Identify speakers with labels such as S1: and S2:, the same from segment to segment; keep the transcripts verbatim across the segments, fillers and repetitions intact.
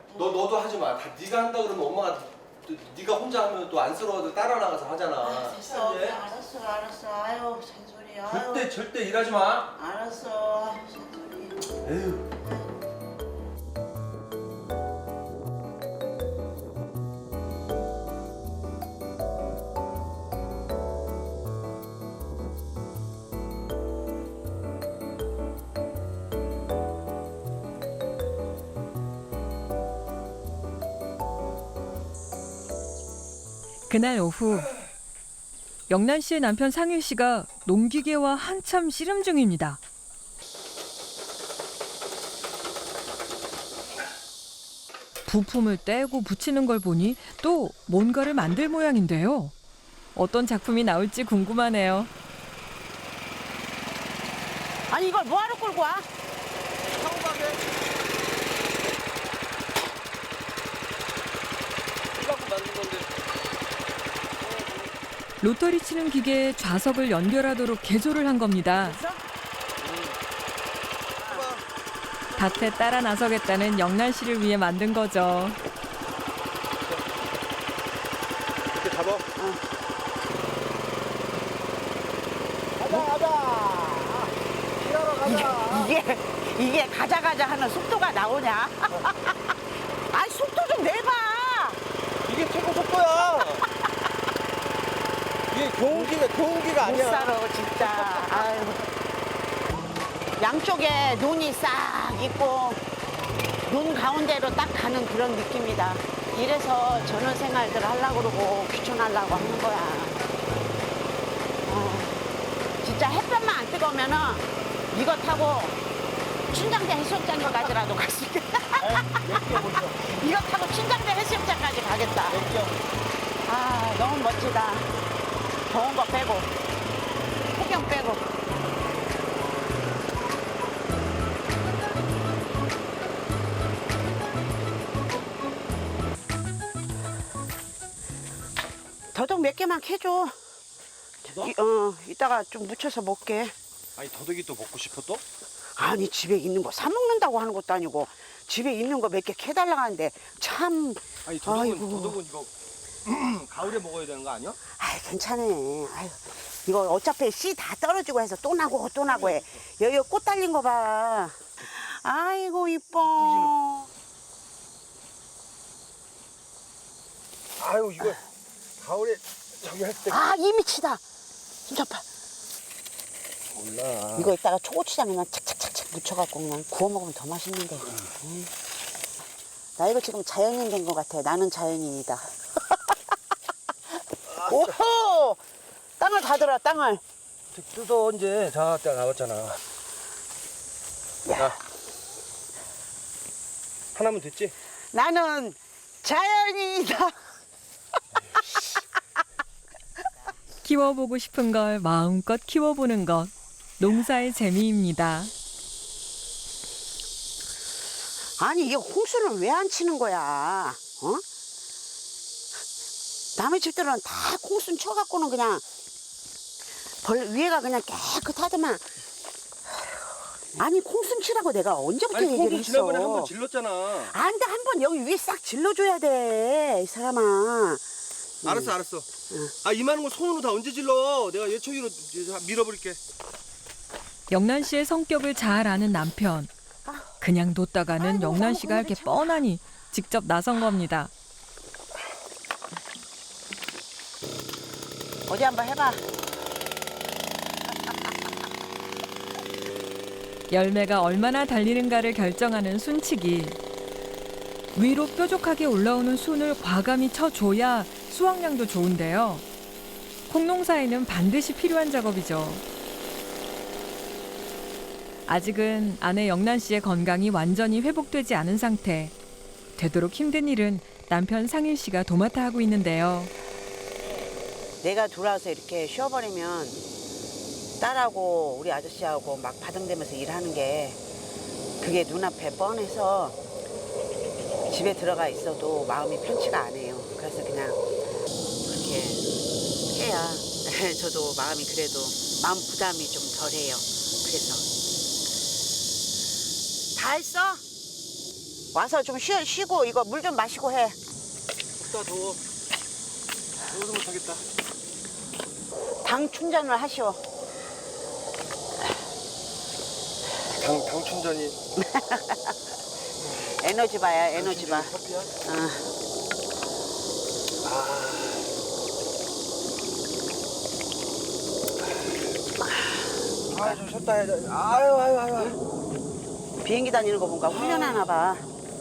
S1: 너 너도 하지 마. 다 네가 한다 그러면 엄마가 또 네가 혼자 하면 또 안쓰러워도 따라 나가서 하잖아.
S2: 아, 됐어.
S1: 예?
S2: 알았어, 알았어. 아유, 잔소리. 아유.
S1: 절대 절대 일하지 마.
S2: 알았어. 아유, 잔소리.
S1: 에휴.
S3: 그날 오후 영란 씨의 남편 상일 씨가 농기계와 한참 씨름 중입니다. 부품을 떼고 붙이는 걸 보니 또 뭔가를 만들 모양인데요. 어떤 작품이 나올지 궁금하네요.
S2: 아니, 이걸 뭐하러 끌고 와?
S1: 사고 가게. 이갖고 만든 건데.
S3: 로터리 치는 기계에 좌석을 연결하도록 개조를 한 겁니다. 밭에 따라 나서겠다는 영란 씨를 위해 만든 거죠.
S1: 이렇게 잡아.
S2: 가자, 가자. 일하러 가자. 이게, 이게 가자, 가자 하는 속도가 나오냐? 아니, 속도 좀 내봐.
S1: 이게 최고 속도야. 이게 교훈기가 교훈기가
S2: 못
S1: 아니야.
S2: 살아, 진짜. 아유. 양쪽에 눈이 싹 있고 눈 가운데로 딱 가는 그런 느낌이다. 이래서 전원 생활들 하려고 그러고 귀촌하려고 하는 거야. 아, 진짜 햇볕만 안 뜨거우면은 이거 타고 춘장대 해수욕장 가지라도 갈 수 있겠다. 이거 타고 춘장대 해수욕장까지 가겠다. 아, 너무 멋지다. 더운 거 빼고 폭염 빼고. 더덕 몇 개만 캐줘. 이, 어, 이따가 좀 무쳐서 먹게.
S1: 아니 더덕이 또 먹고 싶어 또?
S2: 아니, 집에 있는 거 사 먹는다고 하는 것도 아니고 집에 있는 거 몇 개 캐달라고 하는데 참.
S1: 아니 더덕은
S2: 아이고.
S1: 더덕은 이거 가을에 먹어야 되는 거 아니야?
S2: 아이, 괜찮아. 아유, 이거 어차피 씨 다 떨어지고 해서 또 나고 또 나고 해. 여기 꽃 달린 거 봐. 아이고, 이뻐.
S1: 아유 이거 가을에 저기 할 때
S2: 아, 이 미치다. 진짜파.
S1: 몰라.
S2: 이거 이따가 초고추장 그냥 착착착착 묻혀갖고 그냥 구워 먹으면 더 맛있는데. 음. 나 이거 지금 자연인 된 것 같아. 나는 자연인이다. 오호! 땅을 다 들어, 땅을.
S1: 뜯어 언제 자 딱 나왔잖아.
S2: 야.
S1: 하나면 됐지?
S2: 나는 자연인이다.
S3: 키워보고 싶은 걸 마음껏 키워보는 것. 농사의 재미입니다.
S2: 아니, 이게 홍수는 왜 안 치는 거야? 어? 남의 집들은 다 홍수 쳐갖고는 그냥 벌 위에가 그냥 깨끗하더만. 아니, 콩순 치라고 내가 언제부터
S1: 아니
S2: 얘기를
S1: 콩순
S2: 했어?
S1: 지난번에 한 번 질렀잖아.
S2: 안 돼, 한 번 여기 위에 싹 질러줘야 돼, 이 사람아.
S1: 알았어 알았어. 아 이만한 거 손으로 다 언제 질러? 내가 예초기로 밀어버릴게.
S3: 영란 씨의 성격을 잘 아는 남편. 그냥 뒀다가는
S2: 아이고,
S3: 영란 씨가 할 게
S2: 참.
S3: 뻔하니 직접 나선 겁니다.
S2: 어디 한번 해봐.
S3: 열매가 얼마나 달리는가를 결정하는 순치기. 위로 뾰족하게 올라오는 순을 과감히 쳐줘야 수확량도 좋은데요. 콩농사에는 반드시 필요한 작업이죠. 아직은 아내 영란 씨의 건강이 완전히 회복되지 않은 상태. 되도록 힘든 일은 남편 상일 씨가 도맡아 하고 있는데요.
S2: 내가 들어와서 이렇게 쉬어버리면 딸하고 우리 아저씨하고 막 바등대면서 일하는 게 그게 눈앞에 뻔해서 집에 들어가 있어도 마음이 편치가 않아요. 그래서 그냥 그렇게 해야 저도 마음이 그래도 마음 부담이 좀 덜해요. 그래서 다 했어? 와서 좀 쉬, 쉬고 이거 물 좀 마시고 해.
S1: 춥다 더워. 더워서 못하겠다.
S2: 당 충전을 하시오.
S1: 당, 당 충전이.
S2: 에너지바야 에너지바.
S1: 커피야?
S2: 어.
S1: 아, 좀 쉬었다 해야 돼. 아유, 아유, 아유.
S2: 비행기 다니는 거 보니까 훈련하나 봐.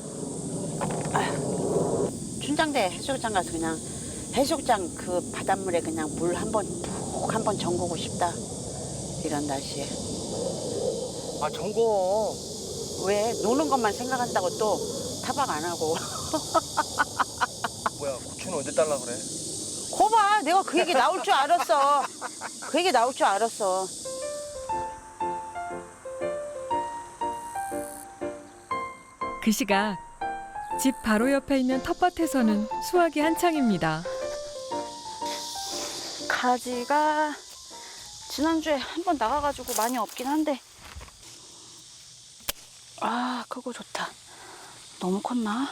S2: 아휴, 춘장대 해수욕장 가서 그냥 해수욕장 그 바닷물에 그냥 물 한 번 푹 한 번 잠그고 싶다. 이런 날씨에.
S1: 아, 정거.
S2: 왜 노는 것만 생각한다고 또 타박 안 하고.
S1: 뭐야, 고추는 언제 달라 그래?
S2: 거봐, 내가 그 얘기 나올 줄 알았어. 그 얘기 나올 줄 알았어.
S3: 그 시각 집 바로 옆에 있는 텃밭에서는 수확이 한창입니다.
S4: 가지가 지난주에 한 번 나가가지고 많이 없긴 한데 아 크고 좋다. 너무 컸나?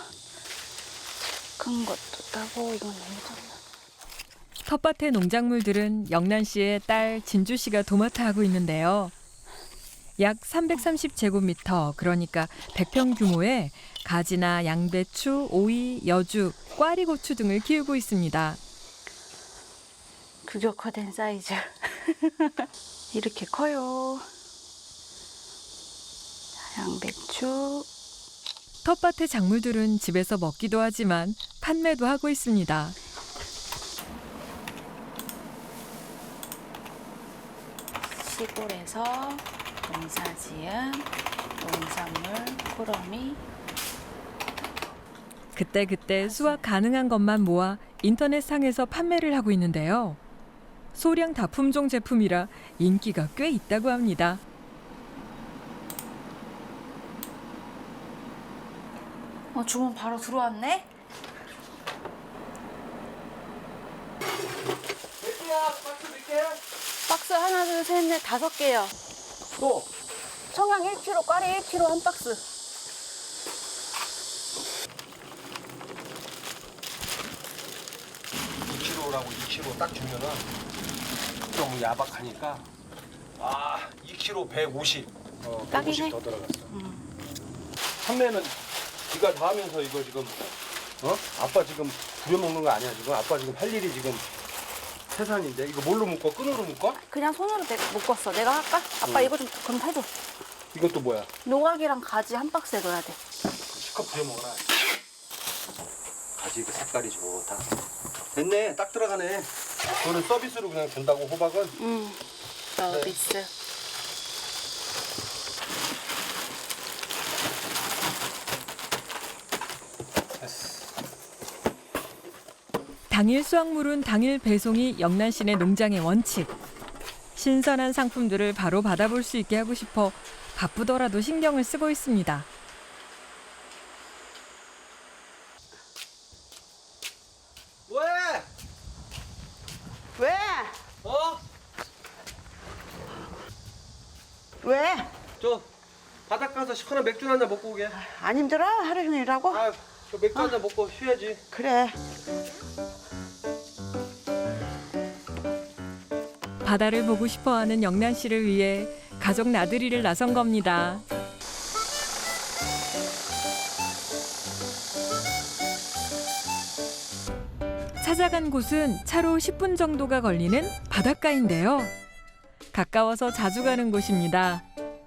S4: 큰 것도 따고 이건 너무 작나?
S3: 텃밭의 농작물들은 영란 씨의 딸 진주 씨가 도맡아 하고 있는데요. 약 삼백삼십 제곱미터, 그러니까 백 평 규모의 가지나 양배추, 오이, 여주, 꽈리고추 등을 키우고 있습니다.
S4: 규격화된 사이즈. 이렇게 커요. 양배추.
S3: 텃밭의 작물들은 집에서 먹기도 하지만 판매도 하고 있습니다.
S4: 시골에서 농사지은 농산물 꾸러미.
S3: 그때그때 수확 가능한 것만 모아 인터넷상에서 판매를 하고 있는데요. 소량 다품종 제품이라 인기가 꽤 있다고 합니다.
S4: 어, 주문 바로 들어왔네?
S1: 맥주야, 박스 몇 개?
S4: 박스 하나, 둘, 셋, 넷, 다섯 개요.
S1: 또.
S4: 청양 일 킬로그램, 꽈리 일 킬로그램 한 박스.
S1: 이 킬로그램라고 이 킬로그램 딱 주면은 좀 야박하니까 아, 이 킬로그램 백오십. 어,
S4: 딱이네.
S1: 백오십 더 들어갔어. 판매는 네가 다 하면서 이거 지금 어? 아빠 지금 부려먹는 거 아니야 지금? 아빠 지금 할 일이 지금 태산인데 이거 뭘로 묶어? 끈으로 묶어?
S4: 그냥 손으로 내, 묶었어. 내가 할까? 아빠
S1: 응.
S4: 이거 좀 그럼 해줘.
S1: 이건 또 뭐야?
S4: 노각이랑 가지 한 박스에 넣어야 돼.
S1: 실컷 부려먹어라. 가지 그 색깔이 좋다. 됐네, 딱 들어가네. 그거는 서비스로 그냥 준다고 호박은?
S4: 응. 서비스.
S3: 당일 수확물은 당일 배송이 영란 씨네 농장의 원칙. 신선한 상품들을 바로 받아볼 수 있게 하고 싶어 바쁘더라도 신경을 쓰고 있습니다.
S1: 왜?
S2: 왜?
S1: 어?
S2: 왜?
S1: 저 바닷 가서 시원한 맥주 한 잔 먹고 오게.
S2: 안 힘들어? 하루 종일 일하고?
S1: 아, 저 맥주 한 잔 먹고 쉬어야지.
S2: 그래.
S3: 바다를 보고 싶어하는 영란 씨를 위해 가족 나들이를 나선 겁니다. 찾아간 곳은 차로 십 분 정도가 걸리는 바닷가인데요. 가까워서 자주 가는 곳입니다.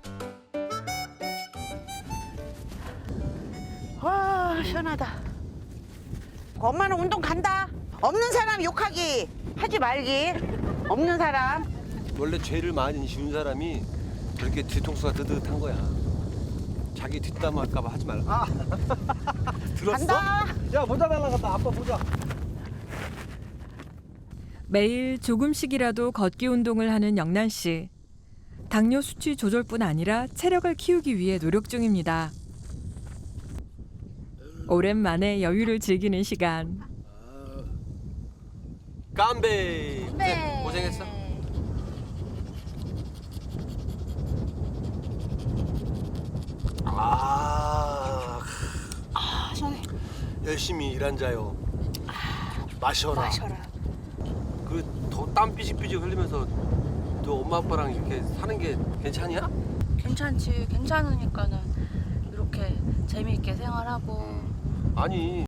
S2: 와, 시원하다. 엄마는 운동 간다. 없는 사람 욕하기 하지 말기. 없는 사람.
S1: 원래 죄를 많이 지은 사람이 그렇게 뒤통수가 뜨뜻한 거야. 자기 뒷담 할까봐 하지 말라. 아, 들었어?
S2: 간다.
S1: 야, 모자 날라갔다. 아빠 모자.
S3: 매일 조금씩이라도 걷기 운동을 하는 영란 씨. 당뇨 수치 조절뿐 아니라 체력을 키우기 위해 노력 중입니다. 오랜만에 여유를 즐기는 시간.
S1: 깜베. 네, 고생했어. 아,
S5: 열심히 일한 자요. 마셔라.
S4: 마셔라.
S5: 그더 땀 삐직삐직 흘리면서 너 엄마 아빠랑 이렇게 사는 게 괜찮냐?
S4: 괜찮지. 괜찮으니까는 이렇게 재미있게 생활하고
S5: 아니